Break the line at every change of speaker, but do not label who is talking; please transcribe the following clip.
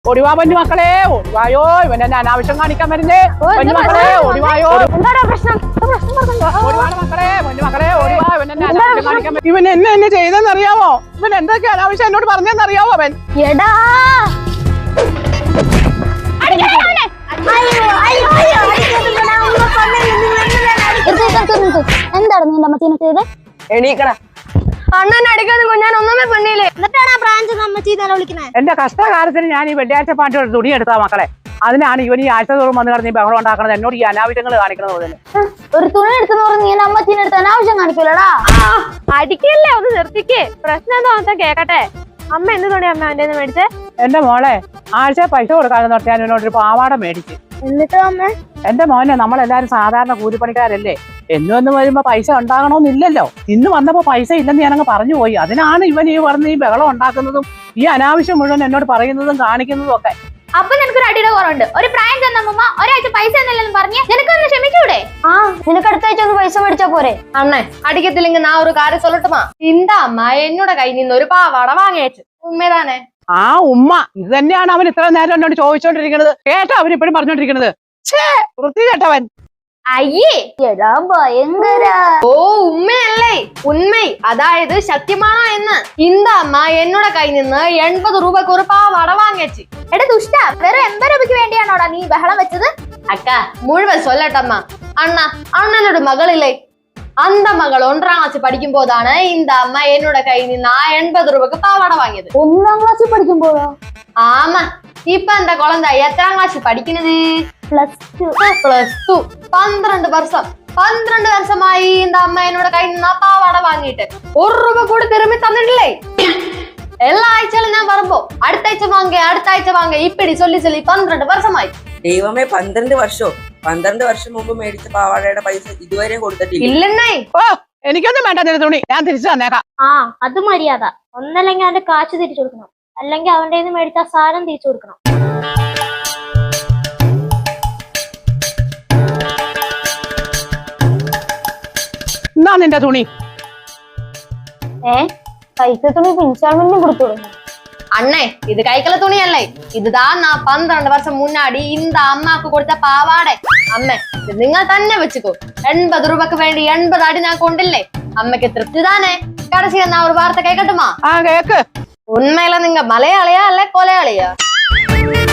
ഒടിവാ പൊന്നു മക്കളെ, ഒടിവായോ. ഇവൻ എന്നെ അനാവശ്യം കാണിക്കാൻ വരുന്നേ. പൊന്നു മക്കളെ ഒടിവായോ. ഒടിവാണ് മക്കളെ, പൊന്നു മക്കളെ ഒടിവാ. ഇവൻ എന്നെ അനാവശ്യം കാണിക്കാൻ വരും. ഇവൻ എന്നെ ചെയ്തെന്നറിയാമോ? ഇവൻ എന്തൊക്കെ അനാവശ്യം എന്നോട് പറഞ്ഞെന്നറിയാവോ? അവൻ
എന്താണ് നീ അമ്മച്ചീനെ ചെയ്ത്?
എണീക്കടാ. അണ്ണൻ അടിക്കാതെ ഞാൻ ഒന്നുമേ പെണ്ണില്ലേ.
എന്നിട്ടാണ് ആ ബ്രാഞ്ച് അമ്മച്ചി തന്നെ വിളിക്കുന്നത്.
എന്റെ കഷ്ടകാലത്തിന് ഞാൻ ഈ വെള്ളിയാഴ്ച പാട്ട് ഒരു തുണി എടുത്താ മക്കളെ. അതിനാണ് ഇവൻ ഈ ആഴ്ച തോറും വന്ന് കിടന്ന് ബഹളം ഉണ്ടാക്കണത്, എന്നോട് ഈ അനാവശ്യങ്ങൾ കാണിക്കണത് പോലെ.
ഒരു തുണി എടുത്തെന്ന് പറഞ്ഞ് നീ അമ്മച്ചീനെ എടുത്ത് അനാവശ്യം കാണിക്കൂലടാ.
അടിക്കല്ലേ, ഒന്ന് നിർത്തിക്ക്. പ്രശ്നം എന്താ കേക്കട്ടെ. അമ്മ എന്ത് തുണി അമ്മ എന്റെ മേടിച്ചേ?
എന്റെ മോളെ ആഴ്ച പൈസ കൊടുക്കാതെന്ന് പറഞ്ഞാൽ ഞാൻ എന്നോടൊരു പാവാട മേടിച്ച്.
എന്നിട്ടോ അമ്മ?
എന്റെ മോനെ, നമ്മളെല്ലാരും സാധാരണ കൂലിപ്പണിക്കാരല്ലേ, എന്നും വരുമ്പോ പൈസ ഉണ്ടാകണമെന്നില്ലല്ലോ. ഇന്ന് വന്നപ്പോ പൈസ ഇല്ലെന്ന് ഞാനങ്ങ് പറഞ്ഞു പോയി. അതിനാണ് ഇവൻ ഈ പറഞ്ഞ് ഈ ബഹളം ഉണ്ടാക്കുന്നതും ഈ അനാവശ്യം മുഴുവൻ എന്നോട് പറയുന്നതും കാണിക്കുന്നതും ഒക്കെ.
അപ്പൊ നിനക്കൊരു അടിയുടെ കുറവുണ്ട്. ഒരു പ്രായം ചെന്നമ്മ ഒരാഴ്ച പൈസ എന്നില്ലെന്ന് പറഞ്ഞ് നിനക്കൊന്ന് ക്ഷമിച്ചൂടെ? നിനക്ക് അടുത്ത ആഴ്ച ഒന്ന് പൈസ മേടിച്ചാ പോരെ?
അണ്ണേ അടിക്കത്തില്ലെങ്കിൽ ഞാൻ ഒരു കാര്യം சொல்லட்டுமா? இந்த അമ്മ എന്നോട് കയ്യിൽ നിന്ന് ഒരു പാവാട വാങ്ങിയേച്ചു. ഉമ്മേതാനേ?
ആ ഉമ്മ ഇത് തന്നെയാണ് അവൻ ഇത്ര നേരം എന്നോട് ചോദിച്ചോണ്ടിരിക്കുന്നത്. കേട്ടോ അവൻ ഇപ്പോഴും പറഞ്ഞോണ്ടിരിക്കുന്നത്. വൃത്തി കേട്ടവൻ.
അയ്യേ ഭയങ്കര.
ഓ ഉമ്മയല്ലേ, ഉണ്മൈ, അതായത് സത്യമാണോ എന്ന്. இந்த അമ്മ എന്നോട് കയ്യിൽ നിന്ന് 80 രൂപക്ക് ഒരു പാവാട വാങ്ങിച്ചു.
എടാ ദുഷ്ട, വെറും 80 രൂപയ്ക്ക് വേണ്ടിയാണോടാ നീ ബഹളം വെച്ചത്?
അക്ക മുഴുവൻ சொல்லட்டம்மா. അണ്ണനോട് മകളില്ലേ, அந்த മകൾ 1ാം ക്ലാസ് പഠിക്കുമ്പോഴാണ് இந்த അമ്മ എന്നോട് കയ്യിൽ നിന്ന് 80 രൂപക്ക് പാവാട വാങ്ങിയത്.
1ാം ക്ലാസ്സിൽ പഠിക്കുമ്പോഴോ?
ആമാ. ഇപ്പൊ എന്റെ കുളന്ത എത്രാം ക്ലാസ് പഠിക്കുന്നത്? +2. 12 വർഷമായി இந்த അമ്മ എന്നോട് കയ്യിൽ നിന്ന് പാവാട വാങ്ങിയിട്ട് 1 രൂപ കൂടി തിരുമ്പി തന്നിട്ടില്ലേ. എല്ലാ ആഴ്ചയിലും ഞാൻ വരുമ്പോ അടുത്ത ആഴ്ച വാങ്ങ ഇപ്പിടി ചൊല്ലി 12 വർഷമായി.
ദൈവമേ, 12 വർഷവും 12 വർഷം മുമ്പ് മേടിച്ച പാവാടയുടെ പൈസ ഇതുവരെ കൊടുത്തിട്ടില്ല.
ഇല്ലെന്നേ.
ഓ, എനിക്കൊന്നും വേണ്ട നിന്റെ തുണി, ഞാൻ തിരിച്ചു തന്നേക്കാം.
അത് മര്യാദ. ഒന്നല്ലെങ്കിൽ അവന്റെ കാശ് തിരിച്ചു കൊടുക്കണം, അല്ലെങ്കിൽ അവന്റെ കയ്യിൽ നിന്ന് മേടിച്ച സാധനം തിരിച്ചു കൊടുക്കണം.
എന്നാ നിന്റെ തുണി.
പൈസ തുണി ഇൻസ്റ്റാൾമെന്റിന് കൊടുത്തു കൊടുക്കണം.
അണ്ണേ ഇത് കൈക്കല തുണിയല്ലേ, ഇതാ 12 വർഷം മുന്നാടി இந்த അമ്മക്ക് കൊടുത്ത പാവാട. അമ്മേ ഇത് നിങ്ങൾ തന്നെ വെച്ചുക്കോ. 80 രൂപക്ക് വേണ്ടി 80 അടി ഞാൻ കൊണ്ടില്ലേ. അമ്മക്ക് തൃപ്തി താനേ. കടസിയ ഞാൻ ഒരു വാർത്ത കേക്കട്ടുമാ?
കേക്ക്.
ഉണ്മയില നിങ്ങ മലയാളിയാ അല്ലെ കൊലയാളിയാ?